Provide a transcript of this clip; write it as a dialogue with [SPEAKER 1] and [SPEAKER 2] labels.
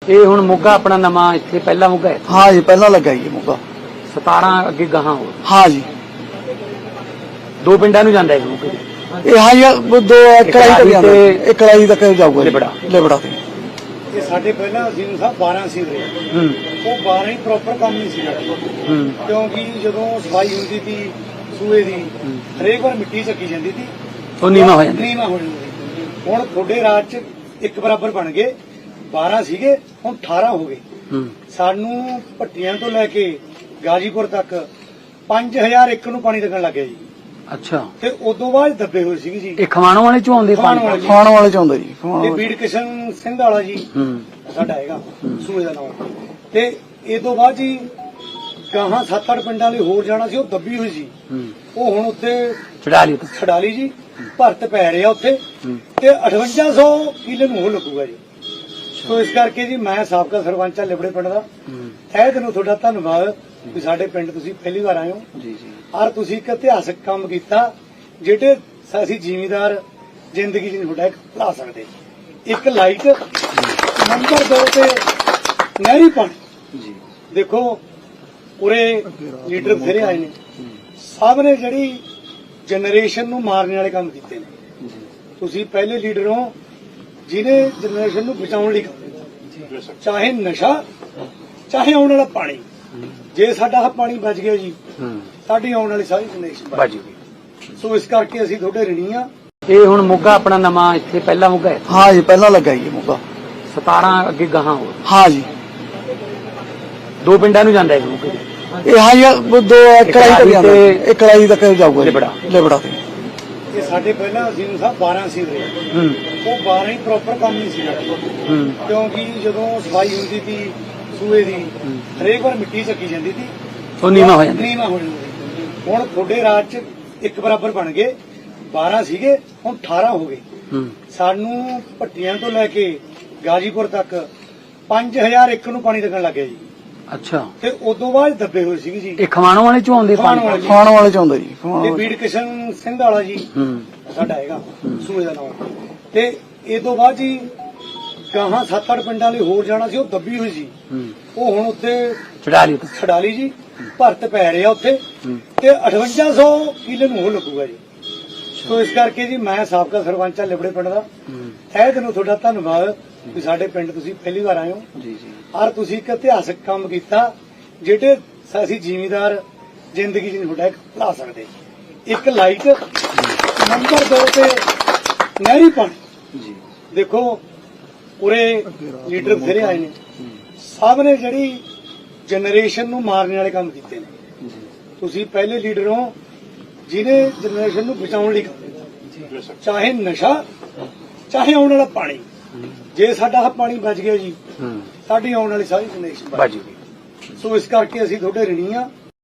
[SPEAKER 1] ਇਹ ਹੁਣ ਮੋਗਾ ਆਪਣਾ ਨਵਾਂ ਇੱਥੇ ਪਹਿਲਾ ਮੋਗਾ ਹੈ।
[SPEAKER 2] हाँ जी पहला लगा जी मौका।
[SPEAKER 1] 17 ਅੱਗੇ ਗਾਹਾਂ ਹੋ
[SPEAKER 2] हाँ जी
[SPEAKER 1] ਦੋ ਪਿੰਡਾਂ ਨੂੰ ਜਾਂਦਾ ਹੈ ਮੋਗੇ
[SPEAKER 2] ये हाँ जी वो दो कढ़ाई तक जाता है, एक कढ़ाई तक जाऊगा
[SPEAKER 1] लिबड़ा।
[SPEAKER 2] लिबड़ा ते।
[SPEAKER 3] ਇਹ ਸਾਡੇ ਪਹਿਲਾਂ ਅਜ਼ੀਮ ਸਾਹਿਬ 12 ਸੀ ਰਹੇ ਉਹ 12 ਹੀ ਪ੍ਰੋਪਰ ਕੰਮ ਨਹੀਂ ਸੀ ਕਰਦੇ ਕਿਉਂਕਿ ਜਦੋਂ ਸਫਾਈ ਹੁੰਦੀ ਸੀ ਸੂਏ ਦੀ ਹਰੇਕ ਵਾਰ ਮਿੱਟੀ ਚੱਕੀ ਜਾਂਦੀ ਸੀ
[SPEAKER 1] ਉਹ ਨੀਵਾਂ ਹੋ ਜਾਂਦਾ
[SPEAKER 3] ਨੀਵਾਂ ਹੋ ਜਾਂਦੀ ਹੁਣ ਤੁਹਾਡੇ ਰਾਜ ਚ ਇੱਕ ਬਰਾਬਰ ਬਣ ਗਏ 12 ਸੀਗੇ ਹੁਣ 18 ਹੋ ਗਏ ਸਾਨੂੰ ਭੱਟੀਆਂ ਤੋਂ ਲੈ ਕੇ ਗਾਜੀਪੁਰ ਤੱਕ 5000 ਏਕੜ ਨੂੰ ਪਾਣੀ ਲੱਗਣ ਲੱਗ ਗਿਆ ਜੀ
[SPEAKER 1] ਅੱਛਾ
[SPEAKER 3] ਤੇ ਉਦੋਂ ਬਾਅਦ ਦੱਬੇ ਹੋਏ ਸੀਗੇ ਜੀ
[SPEAKER 1] ਇਹ ਖਵਾਣੋਂ ਵਾਲੇ ਚੋਂ ਆਉਂਦੇ
[SPEAKER 3] ਖਮਾਣੋਂ ਵਾਲੇ।
[SPEAKER 2] खाने वाले चाहता जी खाने
[SPEAKER 3] ਤੇ
[SPEAKER 2] वाले।
[SPEAKER 3] ਬੀੜ ਕਿਸ਼ਨ ਸਿੰਘ ਵਾਲਾ ਜੀ ਸਾਡਾ ਹੈਗਾ ਸੂਏ ਦਾ ਨਾਮ ਤੇ ਇਹ ਤੋਂ ਬਾਅਦ ਜੀ ਗਾਹਾਂ 7-8 ਪਿੰਡਾਂ ਲਈ ਹੋਰ ਜਾਣਾ ਸੀ ਉਹ ਦੱਬੀ ਹੋਈ ਸੀ ਉਹ ਹੁਣ ਉੱਥੇ
[SPEAKER 1] ਚੜਾ ਲਈ
[SPEAKER 3] ਛਡਾਲੀ ਜੀ ਭਰਤ ਪੈ ਰਿਹਾ ਉੱਥੇ ਤੇ 5800 ਕਿੱਲੇ ਨੂੰ ਉਹ ਲੱਗੂਗਾ ਜੀ ਸੋ ਇਸ ਕਰਕੇ ਜੀ ਮੈਂ ਸਾਬਕਾ ਸਰਪੰਚ ਆ ਲਿਬੜੇ ਪਿੰਡ ਦਾ ਤਹਿ ਦਿਲੋਂ ਤੁਹਾਡਾ ਧੰਨਵਾਦ ਵੀ ਸਾਡੇ ਪਿੰਡ ਤੁਸੀਂ ਪਹਿਲੀ ਵਾਰ ਆਏ ਹੋ
[SPEAKER 2] जी जी
[SPEAKER 3] ਔਰ ਤੁਸੀਂ ਇੱਕ ਇਤਿਹਾਸਕ ਕੰਮ ਕੀਤਾ ਜਿਹੜੇ ਅਸੀਂ ਜ਼ਿਮੀਂਦਾਰ ਜ਼ਿੰਦਗੀ 'ਚ ਨਹੀਂ ਤੁਹਾਡਾ ਇੱਕ ਭੁਲਾ ਸਕਦੇ ਇੱਕ ਲਾਈਟ ਨੰਬਰ 2 ਤੇ ਨਹਿਰੀ ਪਾਣੀ
[SPEAKER 2] जी
[SPEAKER 3] ਦੇਖੋ ਉਰੇ ਲੀਡਰ ਬਥੇਰੇ ਆਏ ਨੇ ਸਭ ਨੇ ਜਿਹੜੀ ਜਨਰੇਸ਼ਨ ਨੂੰ ਮਾਰਨ ਵਾਲੇ ਕੰਮ ਕੀਤੇ ਨੇ ਤੁਸੀਂ ਪਹਿਲੇ ਲੀਡਰ ਹੋ ਜਿਹਨੇ ਜਨਰੇਸ਼ਨ ਨੂੰ ਬਚਾਉਣ ਲਈ ਕੰਮ ਕੀਤਾ ਚਾਹੇ ਨਸ਼ਾ ਚਾਹੇ ਆਉਣ ਵਾਲਾ ਪਾਣੀ ਜੇ ਸਾਡਾ ਆਹ ਪਾਣੀ ਬਚ ਗਿਆ ਜੀ ਸਾਡੀ ਆਉਣ ਵਾਲੀ ਸਾਰੀ ਜਨਰੇਸ਼ਨ ਬਚ
[SPEAKER 1] ਬਾਜੀ
[SPEAKER 3] ਗਈ ਸੋ ਇਸ ਕਰਕੇ ਅਸੀਂ ਤੁਹਾਡੇ ਰਿਣੀ ਆ
[SPEAKER 1] ਇਹ ਹੁਣ ਮੋਗਾ ਆਪਣਾ ਨਵਾਂ ਇੱਥੇ ਪਹਿਲਾ ਮੋਗਾ ਹੈ।
[SPEAKER 2] हाँ जी पहला लगा जी मौका।
[SPEAKER 1] 17 ਅੱਗੇ ਗਾਹਾਂ ਹੋ
[SPEAKER 2] हाँ जी
[SPEAKER 1] ਦੋ ਪਿੰਡਾਂ ਨੂੰ ਜਾਂਦਾ ਹੈ ਮੋਗੇ
[SPEAKER 2] ये हाँ जी वो दो कढ़ाई तक जाता है, एक कढ़ाई तक जाऊगा
[SPEAKER 1] लिबड़ा।
[SPEAKER 2] लिबड़ा ते।
[SPEAKER 3] ਇਹ ਸਾਡੇ ਪਹਿਲਾਂ ਅਜ਼ੀਮ ਸਾਹਿਬ 12 ਸੀ ਰਹੇ ਉਹ 12 ਹੀ ਪ੍ਰੋਪਰ ਕੰਮ ਨਹੀਂ ਸੀ ਕਰਦੇ ਕਿਉਂਕਿ ਜਦੋਂ ਸਫਾਈ ਹੁੰਦੀ ਸੀ ਸੂਏ ਦੀ ਹਰੇਕ ਵਾਰ ਮਿੱਟੀ ਚੱਕੀ ਜਾਂਦੀ ਸੀ
[SPEAKER 1] ਉਹ ਨੀਵਾਂ ਹੋ ਜਾਂਦਾ
[SPEAKER 3] ਨੀਵਾਂ ਹੋ ਜਾਂਦੀ ਹੁਣ ਤੁਹਾਡੇ ਰਾਜ ਚ ਇੱਕ ਬਰਾਬਰ ਬਣ ਗਏ 12 ਸੀਗੇ ਹੁਣ 18 ਹੋ ਗਏ ਸਾਨੂੰ ਭੱਟੀਆਂ ਤੋਂ ਲੈ ਕੇ ਗਾਜੀਪੁਰ ਤੱਕ 5000 ਏਕੜ ਨੂੰ ਪਾਣੀ ਲੱਗਣ ਲੱਗ ਗਿਆ ਜੀ
[SPEAKER 1] ਅੱਛਾ
[SPEAKER 3] ਤੇ ਉਦੋਂ ਬਾਅਦ ਦੱਬੇ ਹੋਏ ਸੀਗੇ ਜੀ
[SPEAKER 1] ਇਹ ਖਵਾਣੋਂ ਵਾਲੇ ਚੋਂ ਆਉਂਦੇ
[SPEAKER 3] ਖਮਾਣੋਂ ਵਾਲੇ।
[SPEAKER 2] खाने वाले चाहता जी खाने
[SPEAKER 3] ਤੇ
[SPEAKER 2] वाले।
[SPEAKER 3] ਬੀੜ ਕਿਸ਼ਨ ਸਿੰਘ ਵਾਲਾ ਜੀ ਸਾਡਾ ਹੈਗਾ ਸੂਏ ਦਾ ਨਾਮ ਤੇ ਇਹ ਤੋਂ ਬਾਅਦ ਜੀ ਗਾਹਾਂ 7-8 ਪਿੰਡਾਂ ਲਈ ਹੋਰ ਜਾਣਾ ਸੀ ਉਹ ਦੱਬੀ ਹੋਈ ਸੀ ਉਹ ਹੁਣ ਉੱਥੇ
[SPEAKER 1] ਚੜਾ ਲਈ
[SPEAKER 3] ਛਡਾਲੀ ਜੀ ਭਰਤ ਪੈ ਰਿਹਾ ਉੱਥੇ ਤੇ 5800 ਕਿੱਲੇ ਨੂੰ ਉਹ ਲੱਗੂਗਾ ਜੀ ਸੋ ਇਸ ਕਰਕੇ ਜੀ ਮੈਂ ਸਾਬਕਾ ਸਰਪੰਚ ਆ ਲਿਬੜੇ ਪਿੰਡ ਦਾ ਤਹਿ ਦਿਲੋਂ ਤੁਹਾਡਾ ਧੰਨਵਾਦ ਵੀ ਸਾਡੇ ਪਿੰਡ ਤੁਸੀਂ ਪਹਿਲੀ ਵਾਰ ਆਏ ਹੋ
[SPEAKER 2] जी जी
[SPEAKER 3] ਔਰ ਤੁਸੀਂ ਇੱਕ ਇਤਿਹਾਸਕ ਕੰਮ ਕੀਤਾ ਜਿਹੜੇ ਅਸੀਂ ਜ਼ਿਮੀਂਦਾਰ ਜ਼ਿੰਦਗੀ 'ਚ ਨਹੀਂ ਤੁਹਾਡਾ ਇੱਕ ਭੁਲਾ ਸਕਦੇ ਇੱਕ ਲਾਈਟ ਨੰਬਰ 2 ਤੇ ਨਹਿਰੀ ਪਾਣੀ
[SPEAKER 2] जी
[SPEAKER 3] ਦੇਖੋ ਉਰੇ ਲੀਡਰ ਬਥੇਰੇ ਆਏ ਨੇ ਸਭ ਨੇ ਜਿਹੜੀ ਜਨਰੇਸ਼ਨ ਨੂੰ ਮਾਰਨ ਵਾਲੇ ਕੰਮ ਕੀਤੇ ਨੇ ਤੁਸੀਂ ਪਹਿਲੇ ਲੀਡਰ ਹੋ ਜਿਹਨੇ ਜਨਰੇਸ਼ਨ ਨੂੰ ਬਚਾਉਣ ਲਈ ਕੰਮ ਕੀਤਾ ਚਾਹੇ ਨਸ਼ਾ ਚਾਹੇ ਆਉਣ ਵਾਲਾ ਪਾਣੀ ਜੇ ਸਾਡਾ ਆਹ ਪਾਣੀ ਬਚ ਗਿਆ ਜੀ ਸਾਡੀ ਆਉਣ ਵਾਲੀ ਸਾਰੀ ਜਨਰੇਸ਼ਨ ਬਚ
[SPEAKER 1] ਬਾਜੀ
[SPEAKER 3] ਗਈ ਸੋ ਇਸ ਕਰਕੇ ਅਸੀਂ ਤੁਹਾਡੇ ਰਿਣੀ ਆ